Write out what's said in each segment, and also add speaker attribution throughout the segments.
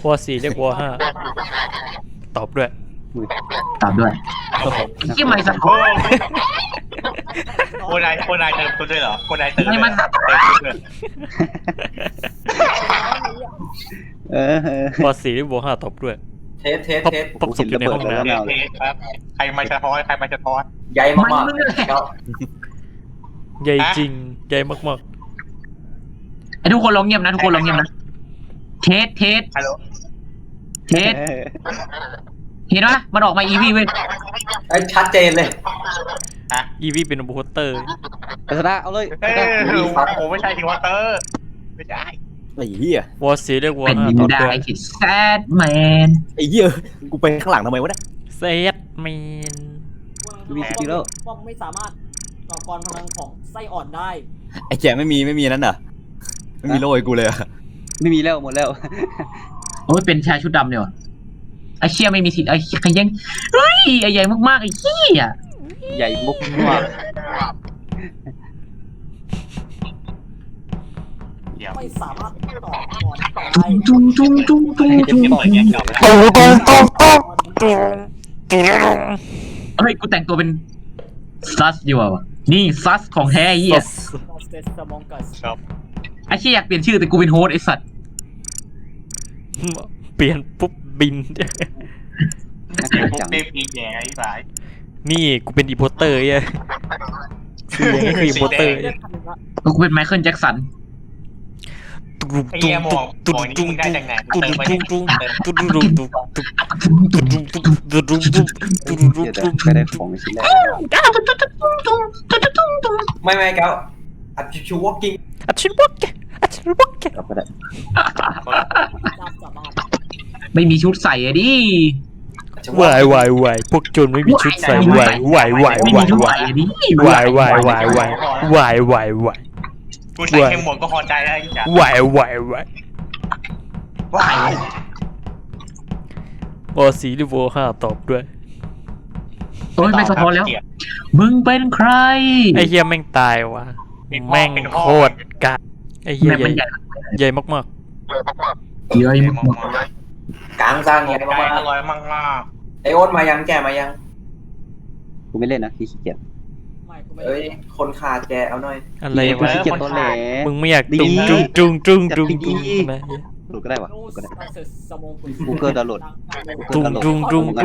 Speaker 1: วอ4เรียกวอ5ตอบด้วย
Speaker 2: ตามด้วยที่ไม่สะท้อน
Speaker 3: โคนายเติมตัวด้วยเหรอโคนายเติม
Speaker 2: ไม่มัน
Speaker 3: เติมตัวด้วย
Speaker 1: วอ4เรียกวอ5ตอบด้วย
Speaker 4: เทส
Speaker 1: พบศพอยู่ในห้องน้
Speaker 3: เทสครับใครมาสะท้อน
Speaker 4: ใหญ่มากๆแล้ว
Speaker 1: ำใหญ่จริงใหญ่มาก
Speaker 2: ไอ้ทุกคนลองเงียบนะทุกคนลองเงียบนะเทส
Speaker 3: ฮัลโหล
Speaker 2: เห็นไหมมันออกมาอีวีเว้ย
Speaker 4: ชัดเจนเลย
Speaker 1: ๆอีวีเป็นโปสเตอร์
Speaker 5: กระดาเอาเลย
Speaker 3: ผมไม่ใช่ทีวอเตอร์ไม่ใช่
Speaker 5: ไอ้เหี้ยว
Speaker 1: อ4เรียกวอ
Speaker 2: เป็น
Speaker 1: 5ตอบ
Speaker 2: ได้
Speaker 1: ด้วย
Speaker 2: ที่แซดแมน
Speaker 5: ไอ้เหี้ยกูไปข้างหลังทำไมวะเนี่ย
Speaker 1: เซตแมน
Speaker 5: มีสกิลแล้ว
Speaker 6: ป้องไม่สามารถต่อกรพลังของไส้อ่อนได้
Speaker 5: ไอ้แจไม่มีนั้นเหรอไม่มีโล่ให้กูเลยอะ
Speaker 7: ไม่มีแล้วหมดแล้ว
Speaker 2: โอ้ยเป็นชายชุดดำเนี่ยวะไอ้เชี่ยไม่มีสิทธิ์ไอ้ใครยังเฮ้ยไอ้ใหญ่มากๆไอ้เชี่ย
Speaker 7: ใหญ่มุกมาก
Speaker 3: เดี๋ยว
Speaker 6: ไม่สามารถต่อกรได้
Speaker 2: จุ้ง
Speaker 3: ต่อยแกงเก่าไปแล้ว
Speaker 2: เฮ้ยกูแต่งตัวเป็นซัสดีกว่าวะนี่ซัสของแท้ไอ้เหี้ย
Speaker 6: สเตสมองกัส
Speaker 3: ครับ
Speaker 2: ไอ้เชี่ยอยากเปลี่ยนชื่อแต่กูเป็นโฮสต์ไอ้สัตว์
Speaker 1: เปลี่ยนปุ๊บบิน
Speaker 3: ผมเต็มอีแย่ไอ้สาย
Speaker 1: นี่กูเป็นอีโพเตอร์ไอ้คือยังไงคืออีโพเตอร์
Speaker 6: เลือดพันละ
Speaker 2: กูเป็นไมเคิลแจ็คสัน
Speaker 3: ไอ้เหี้ยมองนี่มึงได้จากไหนเติมไปเติม
Speaker 7: ๆเดี๋ยวไปได้ของชิ้นแรก
Speaker 4: ไม่แก้วอัดชิววอล์กิ้ง
Speaker 1: อัดชินวอกแกอัดชินวอกแก
Speaker 7: กลับไปได้
Speaker 6: จำสามารถ
Speaker 2: ไม่มีชุดใส่อะดิ
Speaker 1: วายวายพวกโจรไม่มีชุดใส่วายวาย
Speaker 2: ไม่มีชุดใส่อะดิ
Speaker 1: วายวายวาย
Speaker 3: กูใส่แค่หมวกก็พอใจแล้วจ้ะ
Speaker 1: วายวายวอ4หรือวอ5ตอบด้วย
Speaker 2: โอ้ยไม่สะท้อนแล้ว มึงเป็นใคร
Speaker 1: ไอ้เฮียแม่งตายว่ะแม่งโคตรกะไอ้เฮีย
Speaker 2: แม่งมันใหญ่
Speaker 1: ใหญ่มาก
Speaker 2: เยอะมาก
Speaker 4: กลางสร้าง
Speaker 3: ให
Speaker 4: ให
Speaker 3: ญ่
Speaker 4: ญ่
Speaker 3: มาม
Speaker 4: าก
Speaker 3: อร่อยมาก
Speaker 4: ไอโอ๊ตมายังแกมายัง
Speaker 7: กูไม่เล่นนะขี้เกียจ
Speaker 6: ไม่กูไม่
Speaker 4: เอ้ยคนขาดแกเอาหน่อย
Speaker 1: ๆอะไร
Speaker 7: กู
Speaker 1: วะ
Speaker 7: ขี้เกียจตัวแหล
Speaker 1: มึงไม่อยากจุงนะ
Speaker 7: หลุดก็ได้วะ
Speaker 6: โน้
Speaker 7: หลุดก็ได้
Speaker 6: สสมองกุ
Speaker 7: Google ดาวน์โหลด
Speaker 1: จุงตุงตุง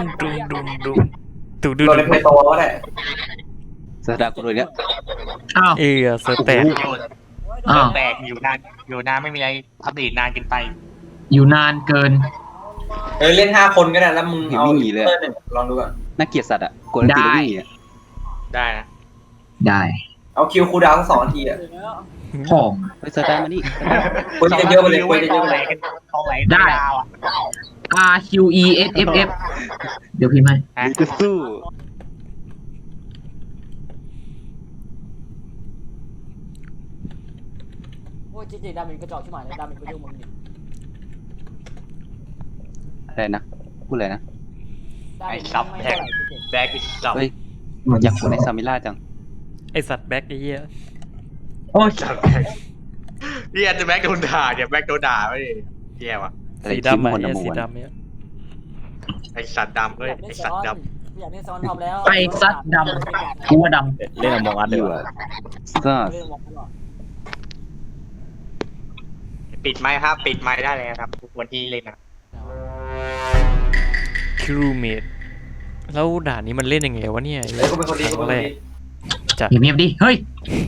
Speaker 1: ดู
Speaker 4: โดนในเพลย์โตก็ได้
Speaker 7: สตาร์กูเลยเนี่ย
Speaker 2: อ้าว
Speaker 1: เออเสแตก
Speaker 3: แตกอยู่นานไม่มีอะไรอัปเดตนานกินไป
Speaker 2: อยู่นานเกิน
Speaker 4: เล่น5 คนก็ได้แล้วมึงเอา1ลองดูก่อน
Speaker 7: น่าเกลียดสัตว์อ่ะกดตีแล้ววิ่งหนี
Speaker 3: ได้นะ
Speaker 2: ได้
Speaker 4: เอาคิวคูลดาวน์2 นาทีอ่ะ
Speaker 2: พ่อง
Speaker 7: ไปสตาร์มานี่
Speaker 4: คนจะเยอะไปเลยคนจะเยอะไปเลย
Speaker 3: เขาไหลดาวอ่ะ
Speaker 2: R Q E S F F เดี๋ยวพี่ไม่
Speaker 7: นี่จะสู้
Speaker 6: โอ้ยจริงๆดามินกระจอกที่หมายเลยดามินก็ยุ่งมึงดิ
Speaker 7: อะไรนะพูดอะไรนะ
Speaker 6: ดามินไม่เท่าไหร่จริง
Speaker 3: แบกอีกสับ
Speaker 7: เฮ้ยอยากคนในซามิล่าจัง
Speaker 1: ไอสัตว์แบ็คไอ้เหี้ย
Speaker 2: โอ้ย
Speaker 3: พี่อาจจะแบกโดนด่าเดี๋ยวแบกโดนด่าไม่แย่ว่ะ
Speaker 1: สีดำอ่ะไอ้สีดำเนี่ย
Speaker 3: ไอสัตว์ดำ
Speaker 6: ๆ
Speaker 3: เฮ้ย
Speaker 6: อยาก
Speaker 3: ไอ
Speaker 6: เล่น
Speaker 3: สัตว์ด
Speaker 6: อยากเล่นซ้อนทอมแล้ว
Speaker 2: ไอ้สัตว์ดำกูว่าด
Speaker 5: เล่นอมองอัดเลย
Speaker 7: อยู่
Speaker 5: วะ
Speaker 7: อะก็
Speaker 6: เล่นมองตลอด
Speaker 3: ำปิดไม้ครับปิดไม้ได้เลยครับวันที่เล่นนะ
Speaker 1: คิรูเมดแล้วด่านนี้มันเล่นยังไงวะเนี่ย
Speaker 4: เฮ้ยกูเป็นคนดีกูเป็นคนดี
Speaker 1: จัด
Speaker 2: ำเงียบๆดิ เฮ้ย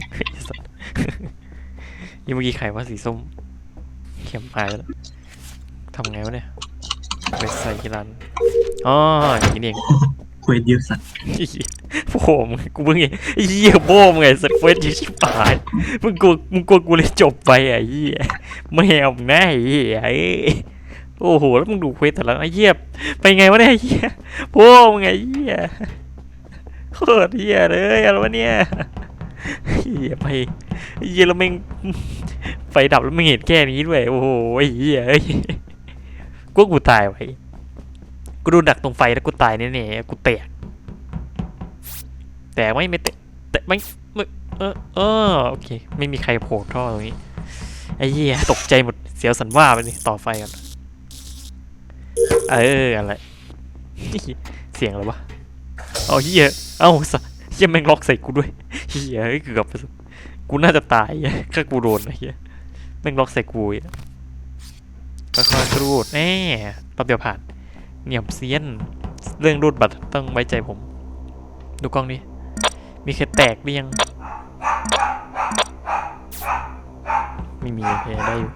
Speaker 1: ยังเมื่อกี้ไข่ว่าสีส้มเข็มพายแล้วทำไงวะเนี่ยไปใส่กีรันอ๋ออย่างนี้เอง
Speaker 2: คุยเยอะสัตว์
Speaker 1: โอ้โหกูเพิ่งเห็นไอ้เหี้ยโบ้มไงสเควตชิบหายมึงกลัวกูเลยจบไปไอ้เหี้ยไม่เอาหน้าไอ้เหี้ยโอ้โหแล้วมึงดูเควสแต่ละไอ้เหี้ยไปไงวะเนี่ยไอ้เหี้ยโบ้มไงไอ้เหี้ยโคตรเหี้ยเลยอะไรวะเนี่ยเหี้ยไปไอ้เหี้ยแล้วแม่งไฟดับแล้วไม่เห็นแค่นี้ด้วยโอ้โหไอ้เหี้ยกูตายไว้กูโดนดักตรงไฟแล้วกูตายแน่ๆกูแตกแต่ไม่แตกแต่ไม่โอเคไม่มีใครโผล่ท่อตรงนี้ไอ้เหี้ยตกใจหมดเสียวสันว่าไปเลยต่อไฟกันอะไร เสียงอะไรวะเอาเฮียเอ้าสัสเฮียแม่งล็อกใส่กูด้วยเฮียเกือบไปกูน่าจะตายถ้ากูโดนนะเฮียแม่งล็อกใส่กูค่อยๆรูดแน่แป๊บเดียวผ่านเหนี่ยมเซียนเรื่องรูดบัตรต้องไว้ใจผม ดูกล้องนี้มีใครแตกหรือยังไม่มีโอเคได้อยู่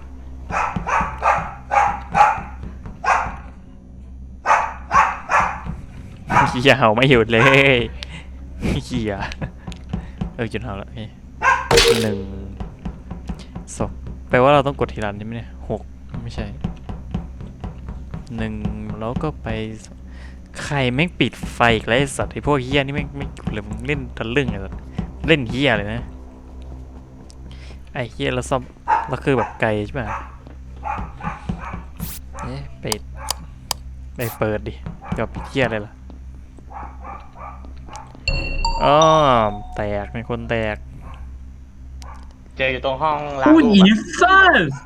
Speaker 1: เหี้ยเห่าไม่หยุดเลยเหี้ยหยุดเห่าแล้ว1 2แปลว่าเราต้องกดทีละใช่ไหมเนี่ย6ไม่ใช่1แล้วก็ไปใครแม่งปิดไฟอีกแล้วไอ้สัตว์ไอ้พวกเหี้ยนี่แม่งไม่หยุดเลยมึงเล่นทะลึ่งไอ้สัตว์เล่นเหี้ยเลยนะไอ้เหี้ยเราซ่อมเราคือแบบไกลใช่ไหมไปเปิดดิจะปิดเหี้ยอะไรล่ะอ๋อแตกเป็นคนแตก
Speaker 3: เจออยู่ตรงห้องล้าง
Speaker 2: ผู้
Speaker 3: รู
Speaker 2: หญิ
Speaker 3: ป
Speaker 2: งซ่า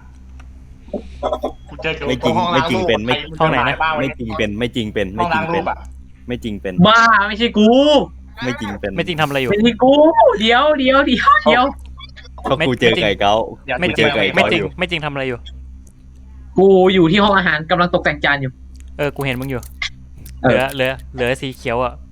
Speaker 3: กูเจออยู่
Speaker 5: ไม่
Speaker 3: ต
Speaker 5: จ
Speaker 3: ร
Speaker 5: ริ
Speaker 3: ง
Speaker 5: ง
Speaker 3: ห้อง
Speaker 5: ไม่
Speaker 3: ล้าง
Speaker 5: จริ
Speaker 3: รู
Speaker 5: ง
Speaker 3: ป
Speaker 5: เป็นไม่
Speaker 1: ห้องไหนนะ
Speaker 5: ไม่จริงเป็นไม่จริงเป็น
Speaker 3: ห้
Speaker 5: ไม่
Speaker 3: อง
Speaker 5: จริ
Speaker 3: ล้าง ง
Speaker 5: เป็
Speaker 3: รู
Speaker 5: น
Speaker 3: ปอ่ะ
Speaker 5: ไม่จริงเป็น
Speaker 2: บ้าไม่ใช่กู
Speaker 5: ไม่จริงเป็น
Speaker 1: ไม่จริงทำอะไรอยู่
Speaker 2: ไม่ใช่กูเดี๋ยว
Speaker 5: เพราะกูเจอไก่เก้า
Speaker 1: ไม่
Speaker 5: กู
Speaker 1: จริ
Speaker 5: เจ
Speaker 1: ง
Speaker 5: อไก่
Speaker 1: ไม่
Speaker 5: เก้า
Speaker 1: จริ
Speaker 5: อง ยู่
Speaker 1: ไม่จริงทำอะไรอยู่
Speaker 2: กูอยู่ที่ห้องอาหารกำลังตกแต่งจานอยู่
Speaker 1: กูเห็นมึงอยู่
Speaker 2: เออ
Speaker 1: เหลือสีเขียวอ่ะ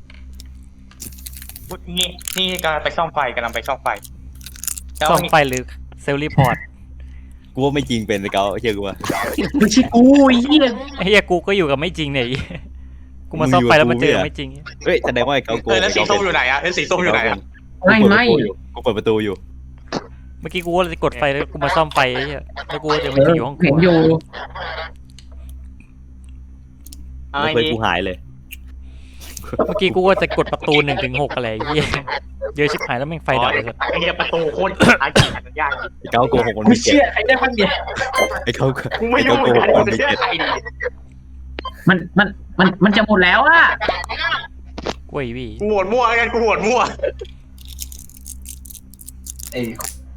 Speaker 3: นี่กำลังไปซ่อมไฟกำลังไปซ่อมไฟแล้ว
Speaker 1: ซ่อมไฟหรือเซลล์รีพอร์ต
Speaker 5: กูว่าไม่จริงเป็นไอ้เก้าเชื่อกูว่า
Speaker 2: ไม่ใช่กูไอ้เหี้ย
Speaker 1: ไอ้เฮียกูก็อยู่กับไม่จริงเนี่ยไอ้เหี้ยกูมาซ่อมไฟแล้วมาเจอไม่จริง
Speaker 5: เฮ้ยแสดงว่าไอ้เก้าโกง
Speaker 3: แล้วสีส้มอยู่ไหนอ่ะแล้วสีส้มอยู่ไหนอ่ะ
Speaker 2: ไม่
Speaker 5: กูเปิดประตูอยู่
Speaker 1: เมื่อกี้กูก็เลยกดไฟแล้วกูมาซ่อมไฟไอ้เหี้ยแล้วกูก็เจอไม่จริงอยู่ห้องครั
Speaker 2: เห็น
Speaker 1: ว
Speaker 2: อยู่
Speaker 5: แล้วเพื่อนกูหายเลย
Speaker 1: เมื่อกี้กูก็จะกดประตู1 ถึง 6อะไรไอ้เหี้ยเยอะชิบหายแล้วแม่งไฟดับเลย
Speaker 3: ไอ้เหี้ยประตูโคตรอาจารย์ยาก
Speaker 5: ไอ้เก้าโกหกคน
Speaker 2: กู
Speaker 5: ไม่เก็
Speaker 2: เชื่
Speaker 5: บ
Speaker 2: อใครได้บ้างเนี่ย
Speaker 5: ไอ้เก้า
Speaker 3: กูไม่
Speaker 5: ไอ้
Speaker 3: รู้
Speaker 5: เก้า
Speaker 3: เห
Speaker 5: โก
Speaker 3: มือน
Speaker 5: ห
Speaker 3: กั
Speaker 5: ก
Speaker 3: น
Speaker 5: คน
Speaker 3: กู
Speaker 5: ไม่
Speaker 3: จะเชื่อ
Speaker 5: เก็บ
Speaker 3: ใครดี
Speaker 2: มันจะหมดแล้วอะ
Speaker 1: กล้วยวี่
Speaker 3: กูโหวตมั่วกันกูโหวตมั่ว
Speaker 4: ไอ้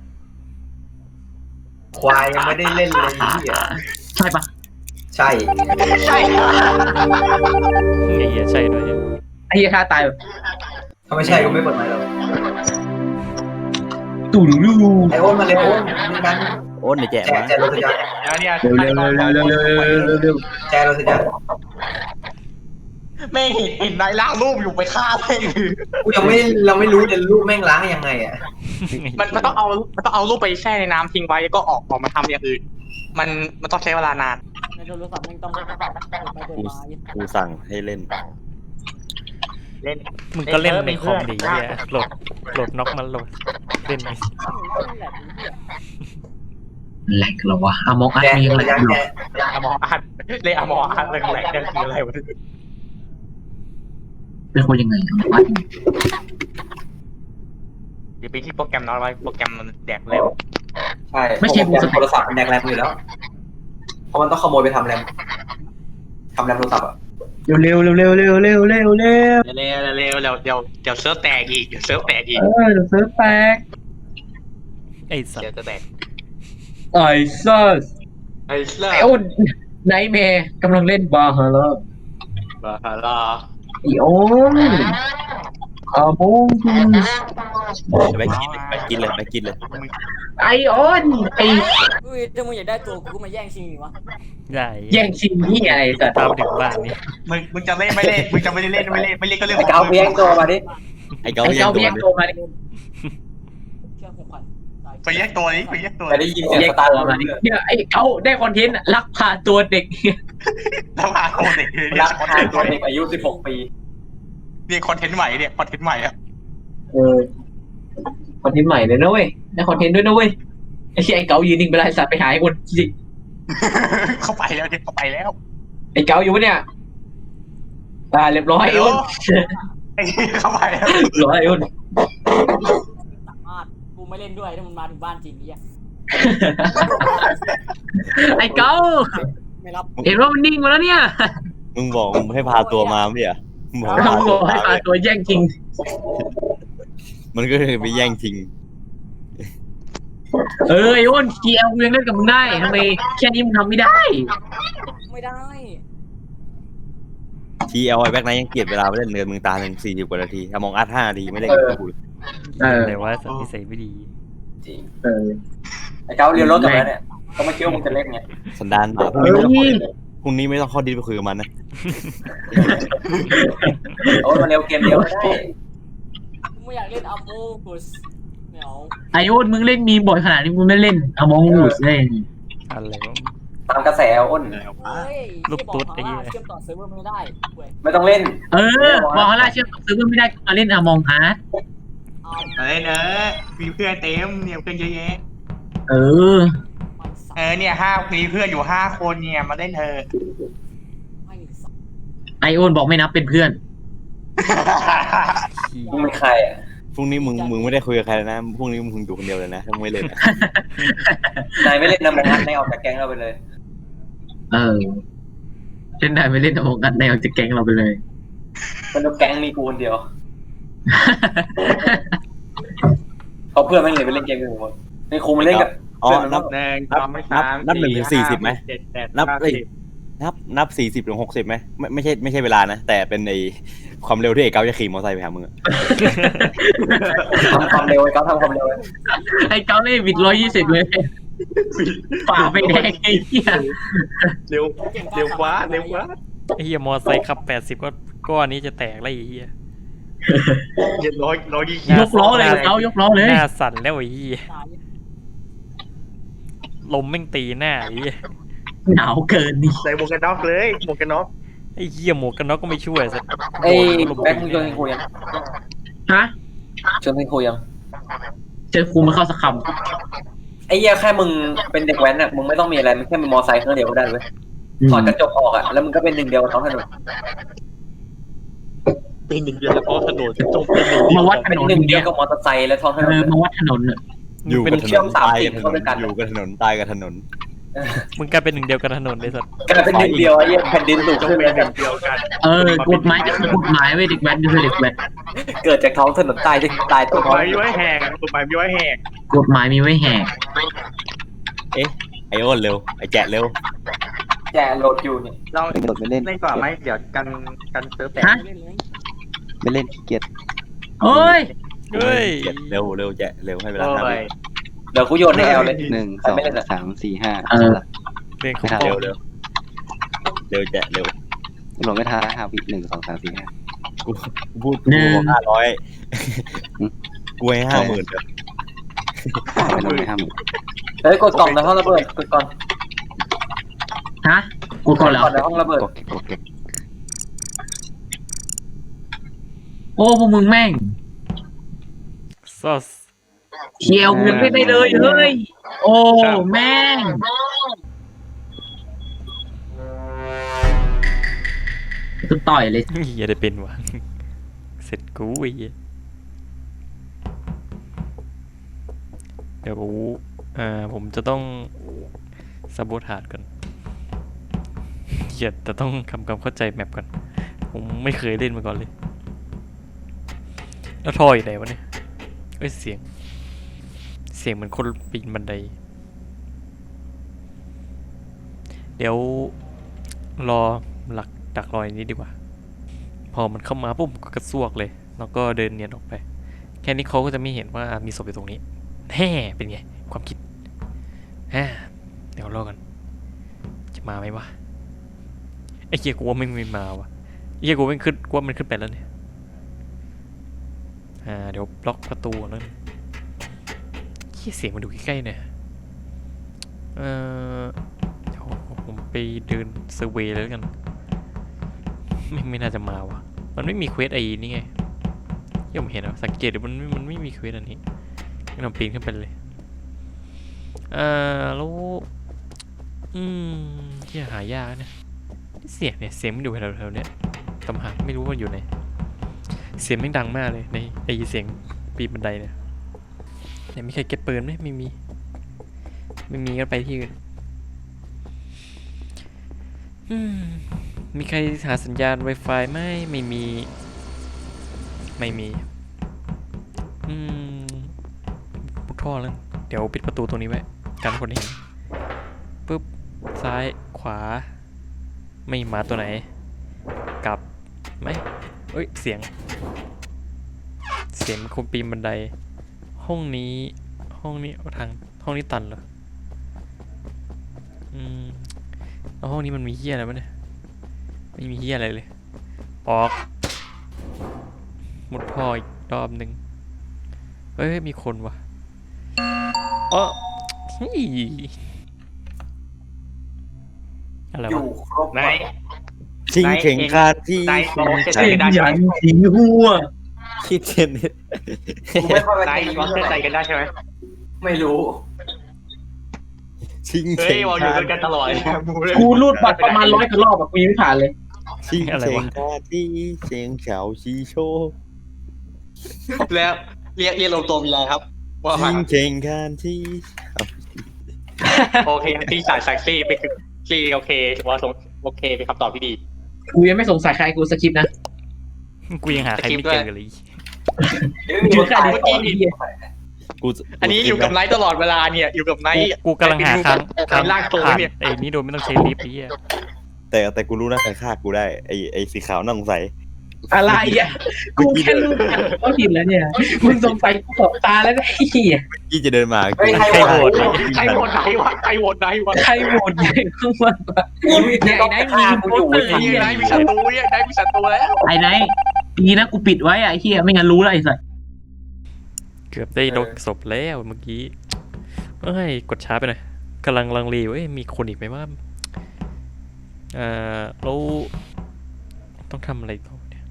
Speaker 4: ควายยังไม่ได้เล่นเลยพี่อ่ะ
Speaker 2: ใช่ปะ
Speaker 4: ใช่
Speaker 3: ใช่
Speaker 1: ไอ้เหี้ยใช่ด้วย
Speaker 2: ไอ้เหี้ยฆ่าตายแบบ
Speaker 4: ถ้าไม่ใช่ก็ไม่เปิดไมค์หรอก
Speaker 2: ตู่ดูดู
Speaker 4: ไอโอนมาเร็วโอนนี่กัน
Speaker 5: โอ้นในแจก
Speaker 4: แจ
Speaker 5: วะ
Speaker 4: แจโรสยา
Speaker 3: แล้วเนี่ย
Speaker 2: เร็ว
Speaker 4: แจโรสยา
Speaker 3: แม่งเห็นนายล่างรูปอยู่ไปฆ่าแม่ง
Speaker 4: กูยังไม่เราไม่รู้จะรูปแม่งล้างยังไงอ่ะ
Speaker 3: มันต้องเอารูปไปแช่ในน้ำทิ้งไว้แล้วก็ออกมาทำอย่างอื่นมันต้องใช้เวลานาน
Speaker 6: ในโทรศัพท์มึงต้องเปิดไปเปิดมา
Speaker 5: กูสั่งให้เล่น
Speaker 3: เล่น
Speaker 1: มึงก็เล่นในคอมดีเหี้ยโหลดน็อกมาโหลดเล่น
Speaker 2: แหลกเหรอวะอามองอัด
Speaker 4: แจ
Speaker 2: มี
Speaker 4: โร
Speaker 2: อะไร
Speaker 4: สยา
Speaker 2: อยู่
Speaker 4: แจ
Speaker 3: อมออาร์ตเล่นอมออาร์ตแหลกๆนั่นคืออะไรวะ
Speaker 2: เป็นคนยังไงอามองอัด
Speaker 3: เดี๋ยวไปที่โปรแกรมน้อยไว้โปรแกรมมันแดกเร็ว
Speaker 4: ใช่โทรศัพท์มันแดกแรมอยู่แล้วเพราะมันต้องขโมยไปทำแรมโทรศัพท์อ่ะ
Speaker 2: เร็วเร็วเร็วเร็วเร็วเร็วเร็ว
Speaker 3: เร็วเดี๋ยวเซิร์ฟแตกอีกเดี๋ยวเซิร์ฟแตกอีก
Speaker 2: เดี๋ยวเซิร์ฟแตก
Speaker 1: ไอ้สัต
Speaker 3: เดี๋ยว
Speaker 1: ว์
Speaker 3: จะแตก
Speaker 2: ไอ้ซัส
Speaker 3: ไอ้เซิร์ฟ
Speaker 2: ไอ้โอนไนท์แมร์กำลังเล่นบาฮาร่า
Speaker 3: บาฮาร่า
Speaker 2: ไอโอนอามองกุส
Speaker 5: แบกกินเลยแบกกินเลย
Speaker 2: ไอโอนไอ
Speaker 6: อุ้ยถ้ามึงอยากได้ตัวกูมาแย่งชิงดิวะ
Speaker 1: ได้
Speaker 2: แย่งชิงที่ไงสัตว์
Speaker 1: ตามถึงบ้านนี่
Speaker 3: มึงจะเล่นไม่เล่นมึงจะไม่ได้เล่นไม่เล่นก็เรื่อง
Speaker 4: ไอเกาเพียงตัวมาดิ
Speaker 5: ไอ้เก้า
Speaker 2: ไอ
Speaker 5: ยั
Speaker 2: เจ้าง
Speaker 5: โด
Speaker 2: แย่
Speaker 5: น
Speaker 2: งตัวมาดิ
Speaker 6: เชื่อ6,000
Speaker 3: ไปแยกตัวนี้ไปแยกตัว
Speaker 4: แต่ได้ยินเสียง
Speaker 2: แย่ง
Speaker 4: สตาร์
Speaker 2: ตัวมาดิเนี่ยไอเขาได้คอนเทนต์ลักพาตัวเด็ก
Speaker 3: แล้วมาโคเด็กเลย
Speaker 4: รักทานคนเด็กอายุ16 ปี
Speaker 3: เนี่ยคอนเทนต์ใหม่เนี่ยคอนเทนต์ใหม่อะ
Speaker 2: คอนเทนต์ใหม่เลยนะเว้ยได้คอนเทนต์ด้วยนะเว้ยไอ้เหี้ยไอ้เก๋ายืนนิ่งไปแล้วไอ้สัตว์ไปหาไอ้คนจริง
Speaker 3: เข้าไปแล้วเนี่ยเข้าไปแล้ว
Speaker 2: ไอ้เก๋าอยู่ปะเนี่ยเรียบร้อยไอ้อ้น
Speaker 3: ไอ้เข้าไปแล้ว
Speaker 2: เรียบร้อยไอ้อ้น
Speaker 6: สามารถกูไม่เล่นด้วยถ้ามึงมาถึงบ้านจริงเนี่ย
Speaker 2: ไอ้เก๋า
Speaker 6: ไม่รับ
Speaker 2: เห็นว่ามันนิ่งมาแล้วเนี่ย
Speaker 5: มึงบอกมึงให้พาตัวมาไม่เหรอมึงบอก
Speaker 2: เราบอกให้พาตัวแย่งจริง
Speaker 5: มันก็เลยไปแย่งชิง
Speaker 2: ไอ้อ้น GL กูยังเล่นกับมึงได้ทำไมแค่นี้มึงทำไม่ได้
Speaker 6: ไม่ได้
Speaker 5: ทีเอลไอแบ็กไนท์ยังเกลียดเวลาไปเล่นเงินมึงตาหนึ่ง40 กว่านาทีมองอัด5 นาทีไม่ได้กับกูเลย
Speaker 1: แต่ว่าสัตว์นิสัยไม่ดี
Speaker 4: จริง
Speaker 2: เออ
Speaker 4: ไอ้เก้าเรียนรถกลับมาเนี่ยก็ไม่คิดว่ามึงจะเล่นไง
Speaker 5: สันดานหมาพรุ่ง
Speaker 2: เฮ้
Speaker 5: นี้
Speaker 2: ย
Speaker 5: พรุ่งนี้ไม่ต้องเข้าดิสไปคุยกับมันนะ
Speaker 4: โอ้ยมันเร็วเกมเดียวไม่ได้
Speaker 6: ไม่อยากเล่นอัมโมกุสเหนียว
Speaker 2: ไอโอนมึงเล่นมีบ่อยขนาดนี้มึงไม่เล่นเอามองงูเล่น
Speaker 1: อะไรวะ
Speaker 4: ตามกระแสอ้น
Speaker 6: เฮ้ย
Speaker 1: ลูกตุ๊ดไอ้เหี้ย
Speaker 6: เชื่อมต่อเซิร์ฟเวอร์ไม่ได้เว้ย
Speaker 4: ไม่ต้องเล่น
Speaker 2: เออบอกเขาล่าเชื่อมต่อซื้อไม่ได้มาเล่นอมองอาร์ต
Speaker 6: เอา
Speaker 3: เอ้ยเนอะมีเพื่อนเต็มเนี่ยเพื่อนเยอะแยะ
Speaker 2: เออ
Speaker 6: ไม่สับ
Speaker 3: เนี่ยมีเพื่อนอยู่5 คนเนี่ยมาเล่นเธอ
Speaker 6: ไม่สับ
Speaker 2: ไอโอนบอกไม่นับเป็นเพื่อน
Speaker 4: มึงเป็นใครอ่ะ
Speaker 5: พรุ่งนี้มึงไม่ได้คุยกับใครเลยนะพรุ่งนี้มึงอยู่คนเดียวเลยนะถ้ามึงไม่เล่นนะ
Speaker 4: นายไม่เล่นนะมองอัดนายออกจากแก๊งเราไปเลย
Speaker 2: เออเช่นได้ไม่เล่นอมองอาร์ตแนวจะแก๊งเราไปเลย
Speaker 4: มันแก๊งมีกูคนเดียวเขาเพื่อนไม่เลยไปเล่นเกมกันหมดในครูมาเล่นกับ
Speaker 5: อ๋อ
Speaker 4: เพื่อน
Speaker 5: นั
Speaker 4: มั
Speaker 5: บ
Speaker 3: 1 2 3
Speaker 5: นับ1 ถึง 40ไหม
Speaker 3: 7
Speaker 5: นับ
Speaker 3: 8
Speaker 5: เอ้ย นับ40 ถึง 60ไหมไม่ใช่เวลานะ แต่เป็นในความเร็วที่เอกเก้าจะขี่มอเตอร์ไซค์ไปหามึงอะ
Speaker 4: ทำความเร็วไอ้เขาทำความเร็ว
Speaker 2: ไอเกาเล่บิด120เลยฝ่าไปแดงไอ้เหี้ย
Speaker 3: เร็วกว่า
Speaker 1: ไอ้เหี้ยมอไซค์ขับ80ก็อันนี้จะแตกแล้วไอ้เหี้ย
Speaker 2: ยกล้อเลยเกายกล้อเลย
Speaker 1: หน้าสั่นแล้วไอ้เหี้ย
Speaker 6: ตาย
Speaker 1: ลมแม่งตีหน้าไอ้เหี้ย
Speaker 2: หนาวเกินนี่
Speaker 3: ใส่หมวกกันน็อกเลยหมวกกันน็อก
Speaker 1: ไอ้เหี้ยหมวกกันน็อกก็ไม่ช่วยสัก
Speaker 4: ไอ้
Speaker 1: ลม
Speaker 4: แบ็ค
Speaker 1: ตี
Speaker 4: มึง
Speaker 1: ห
Speaker 4: ชว
Speaker 1: น้าน
Speaker 4: คุยยัง
Speaker 2: ฮะ
Speaker 4: ชวนคุยยัง
Speaker 2: เจอครูมาเข้าสักค
Speaker 4: ไอ้เหี้ยแค่มึงเป็นเด็กแว้นอ่ะมึงไม่ต้องมีอะไรมึงแค่มีมอไซค์เครื่องเดียวก็ได้เว้ย
Speaker 2: ำ
Speaker 4: ถอดกระจกออกอ่ะแล้วมึงก็เป็นหนึ่งเดียวกับท้องถนน
Speaker 3: เป็น1 เดือนแล้วก็ถนนจงเป็น1
Speaker 2: มาวัดถ
Speaker 4: เป็น
Speaker 2: นน
Speaker 4: หนึ่งเดี
Speaker 2: เนี่ย
Speaker 4: วย กับมอเตอร์ไซค์และท้องถน
Speaker 2: เอน อมาวัดถนนน่ะ
Speaker 5: อยู่กับถ
Speaker 4: เชื่
Speaker 5: น
Speaker 4: อม
Speaker 5: น
Speaker 4: สาม
Speaker 5: ตาย
Speaker 4: สิ่
Speaker 5: กับถน
Speaker 4: งเข้าน ด้วยกัน
Speaker 5: อยู่กับถนนตายกับถนน
Speaker 1: มึงกลายเป็นหนึ่งเดียวกับถนนเลยสัตว์
Speaker 4: กลายเป็นหนึ่งเดียวไอ้เหี้ยแผ่นดินสูง
Speaker 3: จง
Speaker 4: ขึ้น
Speaker 3: เป็
Speaker 4: แล้
Speaker 3: น
Speaker 4: ว
Speaker 3: 1 เดียวกัน
Speaker 2: เออกฎหมายจะคือกฎหมายไว้ยเด็กแว้นจะคือเด็กแว้น
Speaker 4: เกิดจากท้องถนนตายจะตาย
Speaker 3: ก
Speaker 4: ตัว
Speaker 3: ฎห
Speaker 4: ท้อง
Speaker 3: มายมีไว้แหกกฎหมายมีไว้แหก
Speaker 2: กฎหมายมีไว้แหก
Speaker 5: ไอโอนเร็วไอแจะเร็ว
Speaker 4: แจโหลดอยู่เนี่ย
Speaker 3: เรา
Speaker 7: ไม่โดดไม่เล่น
Speaker 3: เล่นก่อนไหมเดี๋ยวกันเซิร์ฟแตก
Speaker 2: ฮะ
Speaker 6: เล่นเลย
Speaker 7: ไม่เล่นขี้เกียจ
Speaker 2: เอ้ย
Speaker 1: เฮ้ย
Speaker 5: แจะเร็วแจะเร็วให้เวลา
Speaker 3: โอ้
Speaker 5: 5 วิ
Speaker 3: ย
Speaker 4: เดี๋ยวกูโยนในแอลเลย
Speaker 7: 1 2 3 4 5
Speaker 2: เออ
Speaker 1: เรื่องของ
Speaker 7: ไม่ทัน
Speaker 1: โล
Speaker 5: เร็
Speaker 1: ก
Speaker 5: วแจะเร็ว
Speaker 7: โหลดไม่ทัน5 วิ 1 2 3 4 5
Speaker 5: กูพูดกูบอก500กูให้50,000เลย
Speaker 7: ไม่โหลดไม่50,000
Speaker 4: เฮ้ยกดกล่องในห้องระเบิดกดก่อน
Speaker 2: ฮะกูก่อนเหรอ
Speaker 4: ก่อนในห้องระเบิด
Speaker 7: กดเก็บกดเก็บ
Speaker 2: โอ้พวกมึงแม่ง
Speaker 1: ซอส
Speaker 2: เคียวเงินไม่ได้เลยเฮ้ยโอ้แม่งกูต่อยเลย
Speaker 1: เหี้ยได้เป็นวะเสร็จกูไอ้เหี้ยเดี๋ยวผมจะต้องซาโบทาดก่อนเหี้ยแต่ต้องทำความเข้าใจแมปก่อนผมไม่เคยเล่นมาก่อนเลยแล้วทอยอยู่ไหนวะเนี่ยเอ้ยเสียงเหมือนคนปีนบันไดเดี๋ยวรอดักรอยนี้ดีกว่าพอมันเข้ามาปุ๊บก็กระซวกเลยแล้วก็เดินเนียนออกไปแค่นี้เขาก็จะไม่เห็นว่ามีศพอยู่ตรงนี้แฮ่เป็นไงความคิดเดี๋ยวรอกันจะมาไหมวะไอ้เกียกูว่าไม่มาวะไอ้เกียกูมันขึ้นไปแล้วเนี่ยเดี๋ยวบล็อกประตูแล้วเฮียเสียงมันดูใกล้ๆเนี่ยเดี๋ยวผมไปเดินเซอร์เวย์แล้วกันไม่น่าจะมาวะมันไม่มีเควสไอ้นี่ไงที่ผมเห็นอะสังเกตดูมันไม่มีเควสอันนี้งั้นเราปีนขึ้นไปเลยแล้วที่หายากเนี่ยเสียงมันอยู่แถวๆเนี้ยตำหาไม่รู้ว่าอยู่ไหนเสียงไม่ดังมากเลยในไอเสียงปีนบันไดเนี่ยมีใครเก็บปืนไหมไม่มีก็ไปที่อื่นมีใครหาสัญญาณ Wi-Fi ไหมไม่มีปุกท่อแล้วเดี๋ยวปิดประตูตรงนี้ไว้กันคนเห็นปุ๊บซ้ายขวาไม่มาตัวไหนกลับไหมเอ้ยเสียงคนปีนบันไดห้องนี้เอาทางห้องนี้ตันเหรอแล้วห้องนี้มันมีเหี้ยอะไรบ้างเนี่ยไม่มีเหี้ยอะไรเลยออกมุดท่ออีกรอบหนึ่งเฮ้ยมีคนวะอ๋ออะไร
Speaker 4: อยู่
Speaker 1: วะ
Speaker 4: ครบ
Speaker 3: ไหน
Speaker 5: ชิงเข่งคาที่
Speaker 3: นายบอกว่า
Speaker 2: เสียงยันสิงหัว
Speaker 5: คิดเช่นนี้
Speaker 4: กูไม่ค่อยไป
Speaker 3: นาย
Speaker 4: ตี
Speaker 3: บอกเชื่อใจกันได้ใช่ไหม
Speaker 4: ไม่รู้
Speaker 5: ชิง
Speaker 3: เฮ้
Speaker 5: เข่
Speaker 3: ย
Speaker 5: ง
Speaker 3: บอกอยู่
Speaker 5: คา
Speaker 3: ด้วยกันตลอด
Speaker 2: กูรูดบัตรประมาณ100กว่ารอบอะกูยังไม่ผ่านเลย
Speaker 5: ชิงเข่งคาที่เชียงเฉาชีโช
Speaker 3: แล้วเรียกรวมตัวมีอะไรครับว่า
Speaker 5: ชิงเข่งคาที่
Speaker 3: โอเคที่สายแซ็กซี่ไปคือซีโอเคว่าโอเคเป็นคำตอบที่ดี
Speaker 2: กูยังไม่สงสัยใครกูสคริปต์นะ
Speaker 1: กูยังหาใครไม่เจอกันเลย
Speaker 2: ชื่อใครดี
Speaker 3: เมื่อกี้นี่
Speaker 5: กู
Speaker 3: อันนี้อยู่กับไนท์ตลอดเวลาเนี่ยอยู่กับไนท์
Speaker 1: กูกำลังหาครั้ง
Speaker 3: ลากตัว
Speaker 1: ผ่าน
Speaker 3: เนี่ย
Speaker 1: ไอ้นี่โดยไม่ต้องใช้ลิฟต์ไอ้เหี้ย
Speaker 5: แต่กูรู้นะใครฆ่ากูได้ไอ้สีขาวน่าสงสัย
Speaker 2: อะไรอ่ะกูแค่รู้ก็ผิดแล้วเนี่ยมึงสงสัยกูตอบตาแล้วไอ้เหี้ย
Speaker 5: ยี่จะเดินมา
Speaker 4: เฮ้ยใคร
Speaker 1: ใคร
Speaker 4: โห
Speaker 1: โห
Speaker 4: ว
Speaker 1: ว
Speaker 4: ต
Speaker 1: ต
Speaker 3: ใครโหวตไหนวะใครโหวตไหนวะ
Speaker 2: ใครโหวตใหญ่ขึ้นมากว่า
Speaker 4: เนี่ย
Speaker 2: ไอ้ไหนมีโพสเตอร์
Speaker 3: นี่ไนท์มีศัตรูเนี่ยไนท์มีศัตรูแล้ว
Speaker 2: ไอ้ไหนดีนะกูปิดไว้อะไอ้เหี้ยไม่งั้นรู้แล้วไอ้สัส
Speaker 1: เกือบได้ลดศพแล้วเมื่อกี้เอ้ยกดช้าไปหน่อยกำลังลังเลเว้ยมีคนอีกไหมว่าเราต้องทำอะไรต่อเนี่ย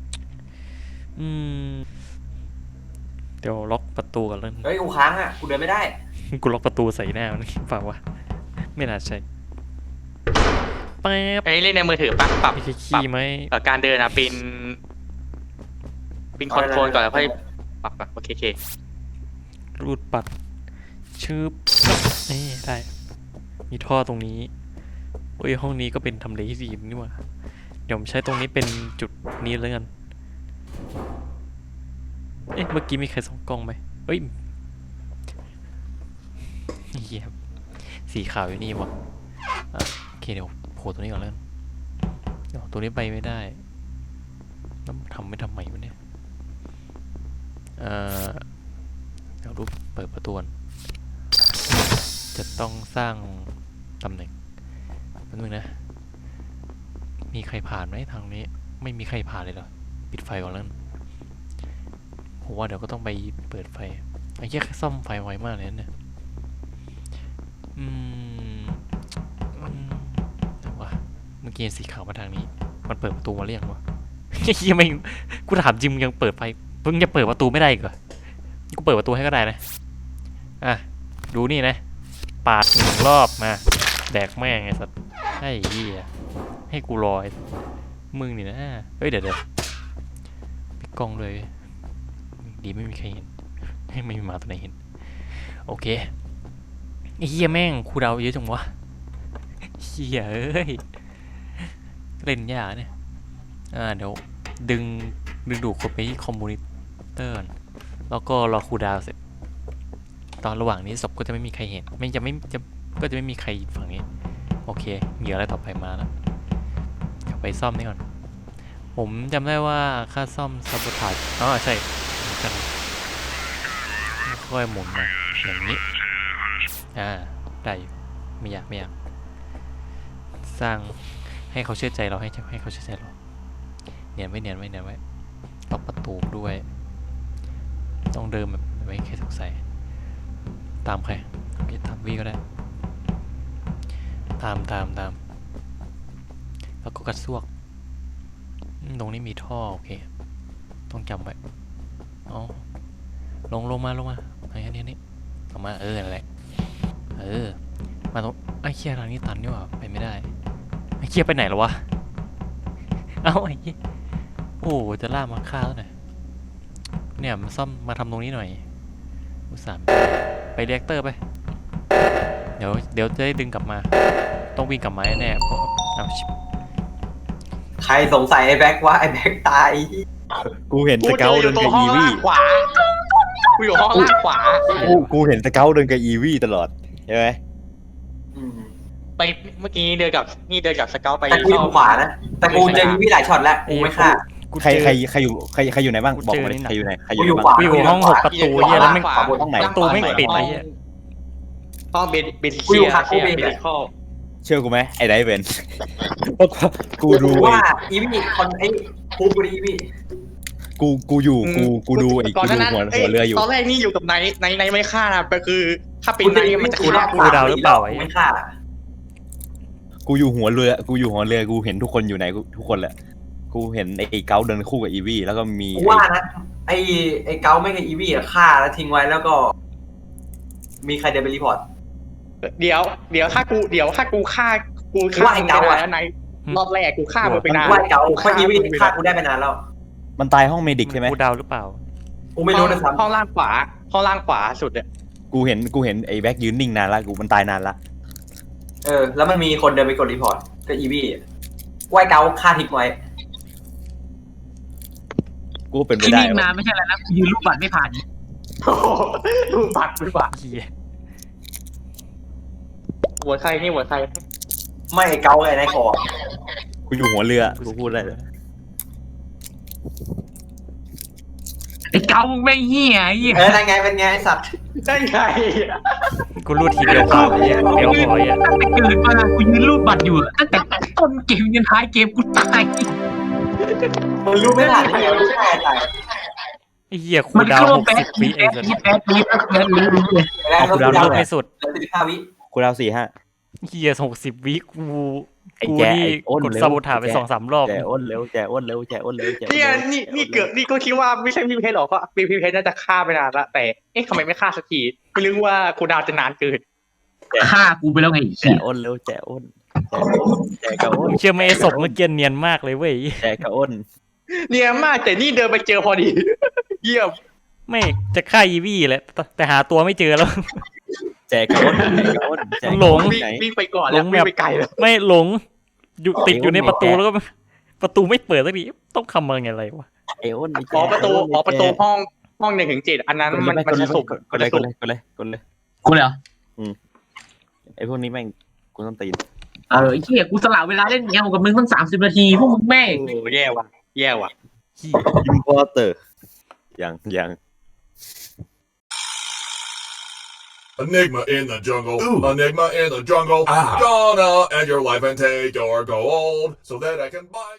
Speaker 1: เดี๋ยวล็อกประตูก่อนแล้ว
Speaker 4: เฮ้ยกูค้างอ่ะกูเดินไม่ได้
Speaker 1: กูล็อกประตูใส่หน้ามันฝากวะไม่น่าใช่แป๊บ
Speaker 3: ไอ้เล่นในมือถือปรับ
Speaker 1: ไม่ใช่ขี้ไหม
Speaker 3: การเดินอ่ะเป็นคอนโทรลก่อนแล้วค่อยปรับโอเค
Speaker 1: รูดปัดชืบนี่ได้มีท่อตรงนี้โอ้ยห้องนี้ก็เป็นทำเลที่ดีนี่หว่าเดี๋ยวผมใช้ตรงนี้เป็นจุดนี้แล้วกันเอ๊ะเมื่อกี้มีใครส่องกล้องไหมเอ้ยเหี้ยสีขาวอยู่นี่วะโอเคเดี๋ยวโผล่ตัวนี้ก่อนแล้วกันเดี๋ยวตัวนี้ไปไม่ได้แล้วทำไม่ทำไมวะเนี่ยเดี๋ยวรูปเปิดประตูจะต้องสร้างตำแหน่งแป๊บนึงนะมีใครผ่านไหมทางนี้ไม่มีใครผ่านเลยเหรอปิดไฟก่อนแล้วผมว่าเดี๋ยวก็ต้องไปเปิดไฟไอ้แค่ซ่อมไฟไวมากเลยนะเนี่ยแต่ว่าเมื่อกี้สีขาวมาทางนี้มันเปิดประตูมาเรียกวะยังไม่กูถามจริงมึงยังเปิดไฟมึงจะเปิดประตูไม่ได้อีกเหรอกูเปิดประตูให้ก็ได้นะดูนี่นะปาด1 รอบมาแดกแม่งไอ้สัตว์ไอ้เหี้ยให้กูรอมึงนี่นะเฮ้ยเดี๋ยวปิดกล้องเลยดีไม่มีใครเห็นไม่มีหมาตัวไหนเห็นโอเคไอ้เหี้ยแม่งคูเดาเยอะจังวะเหี้ยเอ้ยเล่นยากเนี่ยเดี๋ยวดึงดูดคนไปที่คอมมูนิเตอร์แล้วก็รอคูลดาวน์เสร็จตอนระหว่างนี้ศพก็จะไม่มีใครเห็นก็จะไม่มีใครฝั่งนี้โอเคเหยื่ออะไรต่อไปมาแล้วเดี๋ยวไปซ่อมนี่ก่อนผมจำได้ว่าค่าซ่อมซับบอทาจใช่เหมือนกันค่อยหมุนมาอย่างนี้ได้ไม่ยากสร้างให้เขาเชื่อใจเราให้เขาเชื่อใจเราเนียนไว้ล็อกประตูด้วยต้องเดินแบบไม่ให้ใครสงสัยตามใครตามวีก็ได้ตามแล้วก็กระซวกตรงนี้มีท่อโอเคต้องจำไว้ลงมาอันนี้ออกมานั่นแหละมาตรงไอ้เคียทางนี้ตันนี่หว่าไปไม่ได้ไอ้เคียไปไหนแล้ววะไอ้เคียโอ้จะล่ามาฆ่าแล้วหน่อยเนี่ยมาซ่อมมาทำตรงนี้หน่อยอุตส่าห์ไปเรียกเตอร์ไปเดี๋ยวจะได้ดึงกลับมาต้องวิ่งกลับมาแน่ๆเอาชิบ
Speaker 4: ใครสงสัยไอ้แบ็คว่าไอ้แบ็คตาย
Speaker 5: กูเห็นสเกลเดินกับอีวี่
Speaker 3: ขวากูอยู่ห้องล่างขวา
Speaker 5: กูเห็นสเกลเดินกับอีวี่ตลอดใช่ไหม
Speaker 3: ไปเมื่อกี้เดินกับสเกลไป
Speaker 4: แต่กูอยู่ขวานะแต่กูเจอวิหลายช็อตแล้วกูไม่ฆ่า
Speaker 1: กู
Speaker 5: ใคร
Speaker 1: เจอ
Speaker 5: ใครใครอยู่ใครอยู่ไหนบ้าง
Speaker 1: กู
Speaker 5: บอก
Speaker 1: เจอ
Speaker 5: มาดิ
Speaker 1: นี่หนัก
Speaker 5: ใครอยู่ไหนใครอ
Speaker 4: กู
Speaker 5: ยู่
Speaker 4: อ
Speaker 5: ไหน
Speaker 4: ยู่
Speaker 5: บ้าง
Speaker 4: ขวา
Speaker 1: กูอยู่ห้อง6ประตูเหี้ยแล้วแม่ง
Speaker 4: บนห้องไหน
Speaker 1: ประตูไม่ปิดไอ้เหี้ย
Speaker 3: ห้องเบน
Speaker 4: กูอยู่ข้าง
Speaker 3: เชีย
Speaker 4: กูเบน
Speaker 3: เบนข้อ
Speaker 5: เชื่อกูไหมไอ้ไดเวนเพราะกูดู
Speaker 4: ว่าอีวี่คนไอ้ภูมิกูดีอีวี่
Speaker 5: กูอยู่กูดูไอ้
Speaker 3: ก่อน
Speaker 5: กู
Speaker 3: หน้า
Speaker 5: ดู
Speaker 3: นั้น
Speaker 5: หัวเรืออยู่
Speaker 3: ตอนแรกนี่อยู่กับไนท์ไม่ฆ่านะแต่คือ ถ้าเป็นไนท์มันจะฆ่ากู
Speaker 1: กูเดาหรือเปล่าไอ้
Speaker 4: ไม่ฆ่า
Speaker 5: กูอยู่หัวเรือกูเห็นทุกคนอยู่ไหนทุกคนแหละกูเห็นไอ้เกาเดินคู่กับอีวี่แล้วก็มี
Speaker 4: กูว่านะไอ้เกาไม่กับอีวี่อะฆ่าแล้วทิ้งไว้แล้วก็ มีใครเดินไปรีพอร์ต
Speaker 3: เดี๋ยวถ้ากูฆ่า
Speaker 4: ว่าไอ้เกาอะ
Speaker 3: แล้วไนท์รอบแรกกูฆ่ามันไปนาน
Speaker 4: ว่าไอ้เกาเพราะอีวี่ฆ่ากูได้ไปนานแล้ว
Speaker 5: มันตายห้องเมดิกใช่ไหม
Speaker 1: กูเดาหรือเปล่า
Speaker 4: กูไม่รู้นะซ้
Speaker 3: ห้องล่างขวาสุดเนี่ย
Speaker 5: กูเห็นไอ้แบ็กยืนนิ่งนานละมันตายนานละ
Speaker 4: ำแล้วมันมีคนเดินไปกดรีพอร์ตก็อีวี่ว่าไอ้เกาฆ่าทิ้งไว้
Speaker 5: กูเป็นไป
Speaker 2: ที่
Speaker 5: ได้
Speaker 2: นิ่งนานไม่ใช่อะไรนะกูยืนรูปบัตรไม่ผ่าน
Speaker 3: ดูบัตร
Speaker 1: เหี้ย
Speaker 3: หัวใครนี่หัวใคร
Speaker 4: ไม่ไอ้เกาไอ้นายคอ
Speaker 5: กูอยู่หัวเรือกูพูดได้เลย
Speaker 2: ไอ้เกาไม่เหี้ยไอ้เหี้ย
Speaker 4: นั่นไงเป็นไงไอ้สัตว์
Speaker 3: ได้ไง
Speaker 1: กูรูดทีเดียวพอไอ้เหี้ยเดียวพอไอ้เหี้ย
Speaker 2: ตั้งแต่เกิดมากูยืนรูปบัตรอยู่ตั้งแต่ต้นเกมยันท้ายเกมกูตาย
Speaker 4: มันรู้ไม่ทันเลยรู้ไม่ทัน
Speaker 1: ไอ้เหี้ยกู
Speaker 2: มัน
Speaker 1: เดา
Speaker 2: คือว่า
Speaker 1: 60
Speaker 2: แป๊ด
Speaker 1: วิ
Speaker 2: แป๊
Speaker 1: ไอ้
Speaker 2: ด
Speaker 1: สัส
Speaker 2: แป๊ดแป๊ดแป๊ดรู้เลย
Speaker 4: แล้ว
Speaker 5: กู
Speaker 4: ก็
Speaker 5: เดา
Speaker 1: รูดไม่สุด
Speaker 4: แล้ว15 วิ
Speaker 5: กูเดา4-5
Speaker 1: เหี้ย60 วิกู
Speaker 5: ไอ้
Speaker 1: กู
Speaker 5: แจ๊
Speaker 1: นี่
Speaker 5: ไอ้อ้น
Speaker 1: กด
Speaker 5: เร็ว
Speaker 1: ซาบูทาไป
Speaker 5: แจ๊
Speaker 1: 2-3 รอบ
Speaker 5: แจอ้นเร็วแจอ้นเร็วแจอ้นเร็วแจอ้น
Speaker 3: เนี่ย
Speaker 5: เร็ว
Speaker 3: นี่เกือบนี่ก็คิดว่าไม่ใช่พี่เพชรหรอกก็พี่เพชรน่าจะฆ่าไปนานละแต่เอ๊ะทำไมไม่ฆ่าสักทีไม่รู้ว่าคูดาวจะนานเกิน
Speaker 2: ฆ่ากูไปแล้วไง
Speaker 5: แจอ้นเร็วแจอ้นแจกระอ้น
Speaker 1: มึงเชื่อไหมไอ้ศพเมื่อกี้เนียนมากเลยเว้ย
Speaker 5: แจกระอ้น
Speaker 3: เนี่ยมากแต่นี่เดินไปเจอพอดี เยี่ยม
Speaker 1: ไม่จะฆ่าอีวี่แหละแต่หาตัวไม่เจอแล้ว
Speaker 5: แจกระอ้นแจกระอ้นแจก
Speaker 1: หลง
Speaker 3: วิ่ง
Speaker 5: ไหน
Speaker 3: วิ่งไปก่อนแล้ววิ่งไปไกลแล้ว
Speaker 1: ไม่หลงอยู่ติดอยู่ในประตู
Speaker 5: ไอ้
Speaker 1: แล้วก็ประตูไม่เปิดสักทีต้องทำมาไงอะไรวะ
Speaker 5: ไอ้อ้นไอ้แจ
Speaker 3: ประตูห้อง1-7อันนั้นมันจะสุก
Speaker 5: กดเลย
Speaker 2: กูเลยเหรอ
Speaker 5: ไอ้พวกนี้แม่งกูต้องตีน
Speaker 2: ไอ้เหี้ยกูสละเวลาเล่นเงี้ยกับมึงตั้ง30 นาทีพวกมึงแม่ง
Speaker 3: โอ้แย่ว่ะ
Speaker 1: เหี้ย
Speaker 5: อิมพอร์เตอร์ยัง
Speaker 8: Enigma in the jungle. Enigma in the jungle. Gonna end your life and take your gold so that I can buy.